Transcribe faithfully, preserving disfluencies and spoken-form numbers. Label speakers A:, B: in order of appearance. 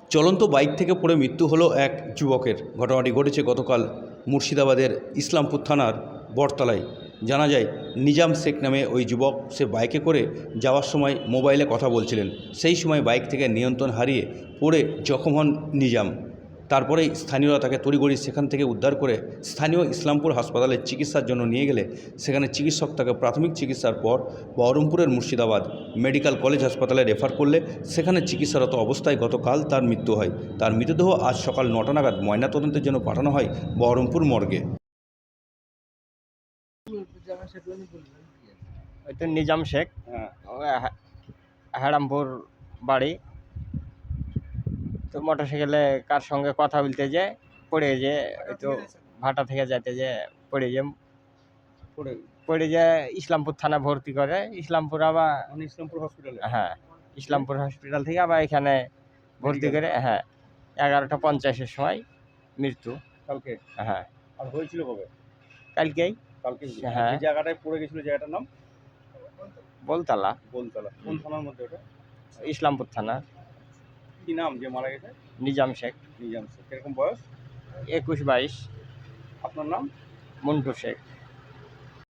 A: চলন্ত বাইক থেকে পড়ে মৃত্যু হলো এক যুবকের। ঘটনাটি ঘটেছে গতকাল মুর্শিদাবাদের ইসলামপুর থানার বটতলায়। জানা যায়, নিজাম শেখ নামে ওই যুবক, সে বাইকে করে যাওয়ার সময় মোবাইলে কথা বলছিলেন। সেই সময় বাইক থেকে নিয়ন্ত্রণ হারিয়ে পড়ে জখম হন নিজাম। তারপরেই স্থানীয়রা তাকে তড়িঘড়ি সেখান থেকে উদ্ধার করে স্থানীয় ইসলামপুর হাসপাতালে চিকিৎসার জন্য নিয়ে গেলে সেখানে চিকিৎসক তাকে প্রাথমিক চিকিৎসার পর বহরমপুরের মুর্শিদাবাদ মেডিকেল কলেজ হাসপাতালে রেফার করলে সেখানে চিকিৎসারত অবস্থায় গতকাল তার মৃত্যু হয়। তার মৃতদেহ আজ সকাল নটা নাগাদ ময়নাতদন্তের জন্য পাঠানো হয় বহরমপুর মর্গে।
B: ওই তো নিজাম শেখ, হ্যারামপুর বাড়ি। তো মোটরসাইকেলে কার সঙ্গে কথা বলতে যে পড়ে যে ওই তো ভাটা থেকে যাইতে যে পড়ে যে
A: পড়ে
B: পড়ে যে ইসলামপুর থানা ভর্তি করে। ইসলামপুর আবার
A: ইসলামপুর হসপিটালে।
B: হ্যাঁ, ইসলামপুর হসপিটাল থেকে আবার এখানে ভর্তি করে। হ্যাঁ, এগারোটা পঞ্চাশের সময় মৃত্যু।
A: কালকে?
B: হ্যাঁ।
A: আর হয়েছিল কবে?
B: কালকেই।
A: কালকে?
B: হ্যাঁ।
A: যে জায়গাটায় পড়ে গেছিল, জায়গাটার নাম
B: বলতলা।
A: বলতলা। কোন থানার মধ্যে ওটা?
B: ইসলামপুর থানা।
A: কি নাম যে মারা গেছে?
B: নিজাম শেখ।
A: নিজাম শেখ। কিরকম বয়স?
B: একুশ বাইশ।
A: আপনার নাম?
B: মন্টু শেখ।